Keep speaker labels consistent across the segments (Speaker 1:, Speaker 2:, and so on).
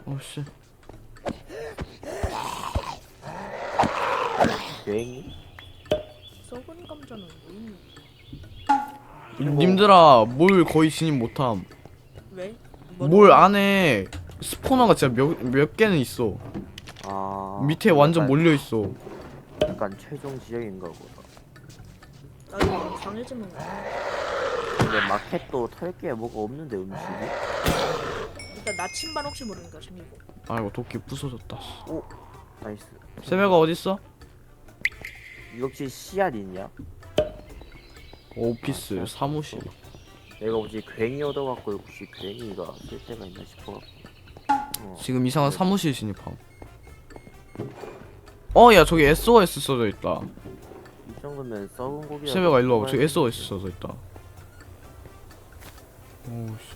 Speaker 1: 어씨.
Speaker 2: 여행이?
Speaker 3: 썩은 감자는 뭐 있니?
Speaker 1: 님들아 뭘 거의 진입 못함.
Speaker 3: 왜?
Speaker 1: 뭘 안에 스포너가 진짜 몇 개는 있어. 밑에 완전 몰려 있어.
Speaker 2: 약간 최종 지역인가 보다.
Speaker 3: 나도 강해지는 거야.
Speaker 2: 근데 마켓도 털 게 뭐가 없는데 음식이?
Speaker 3: 일단 나침반 혹시 모르니까 챙기고.
Speaker 1: 아이고 도끼 부서졌다.
Speaker 2: 오 나이스.
Speaker 1: 세배가 어딨어?
Speaker 2: 이거 혹시 씨앗 있냐?
Speaker 1: 오피스 사무실.
Speaker 2: 내가 혹시 괜히 얻어갖고 혹시 괜히가 쓸 데가 있나 싶어갖고.
Speaker 1: 지금 이상한 사무실 진입함. 야 저기 SOS 써져 있다.
Speaker 2: 이 정도면 썩은 고기.
Speaker 1: 세배가 일로 와봐. 저기 SOS 써져 있다. 오씨.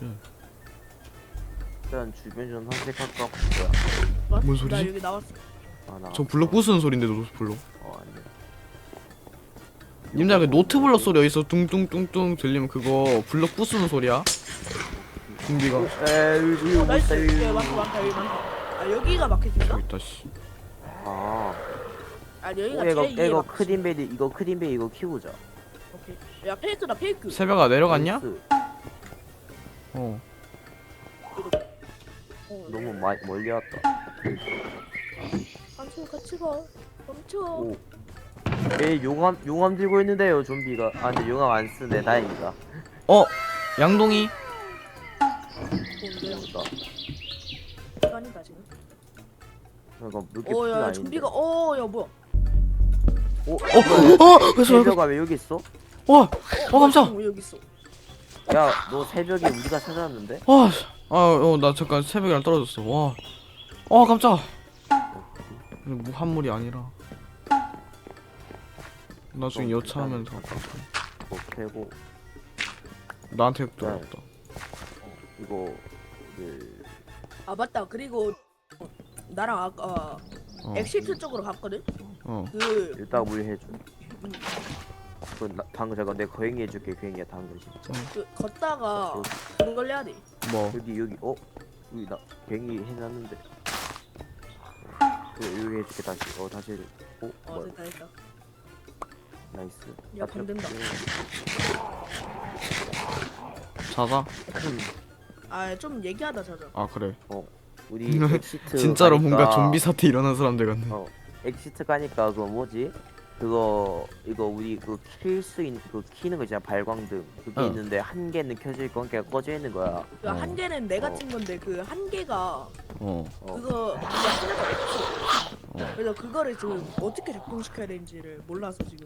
Speaker 2: 일단 주변 좀 탐색할까 보자.
Speaker 3: 뭐?
Speaker 1: 뭔 소리지?
Speaker 3: 나 여기 나왔어.
Speaker 1: 저 블럭 부수는 소린데 노트 블럭.
Speaker 2: 아니야.
Speaker 1: 님들 그 노트 블럭 소리 어디서 뚱뚱뚱뚱 들리면 그거 블럭 부수는 소리야. 준비가.
Speaker 2: 에이
Speaker 3: 나이스. 여기 많다 여기 많다. 아 여기가 마켓인가?
Speaker 1: 저기 있다 씨.
Speaker 2: 아.
Speaker 3: 아 여기가
Speaker 2: 이거
Speaker 3: 제일
Speaker 2: 이거
Speaker 3: 마켓.
Speaker 2: 크림베리 이거 키우자.
Speaker 3: 오케이. 야 페이크다 페이크.
Speaker 1: 세배가 내려갔냐?
Speaker 2: 나이스.
Speaker 1: 어.
Speaker 2: 너무 멀리 왔다.
Speaker 3: 한손 같이 가. 멈춰.
Speaker 2: 오. 에 용암 들고 있는데요 좀비가. 아 근데 용암 안 쓰네 다행이다.
Speaker 1: 양동이.
Speaker 3: 뭔데?
Speaker 2: 나
Speaker 3: 시간이다 지금.
Speaker 2: 이거 몇개
Speaker 3: 어야
Speaker 2: 아닌데.
Speaker 3: 좀비가 야 뭐야?
Speaker 1: 그래서
Speaker 2: 새벽아 왜 여기 있어?
Speaker 1: 깜짝.
Speaker 3: 왜 여기 있어?
Speaker 2: 야 너 새벽에 우리가 찾아왔는데?
Speaker 1: 나 잠깐 새벽이랑 떨어졌어. 와 깜짝. 무한물이 아니라 나중에 여차하면 다
Speaker 2: 뭐 캐고
Speaker 1: 나한테 들어왔다.
Speaker 2: 이거 그
Speaker 3: 아 맞다. 그리고 나랑 아까 엑시트 쪽으로 갔거든. 그
Speaker 2: 일단 물 해줘. 방금 잠깐 내가 거행이 해줄게. 거행이야 당근 진짜.
Speaker 3: 그 걷다가 그걸 해야 돼.
Speaker 1: 뭐?
Speaker 2: 여기 여기 나 거행이 해놨는데. 여기 해줄게 다시. 다시 해줘. 뭐야.
Speaker 3: 됐다 됐다.
Speaker 2: 나이스.
Speaker 3: 야, 방 된다.
Speaker 1: 자자?
Speaker 3: 좀 얘기하다 자자.
Speaker 1: 아 그래.
Speaker 2: 우리 엑시트
Speaker 1: 진짜로
Speaker 2: 가니까,
Speaker 1: 뭔가 좀비 사태 일어난 사람들 같네.
Speaker 2: 엑시트 가니까 그거 뭐지? 이거 우리 그 킬 수 있는 그 키는 거 있잖아. 발광등 그게 있는데 한 개는 켜져 있고 한 개가 꺼져 있는 거야.
Speaker 3: 그 한 개는 내가 친 건데 그 한 개가 그거 하나가 없어. 그래서 그거를 지금 어떻게 작동시켜야 되는지를 몰라서 지금.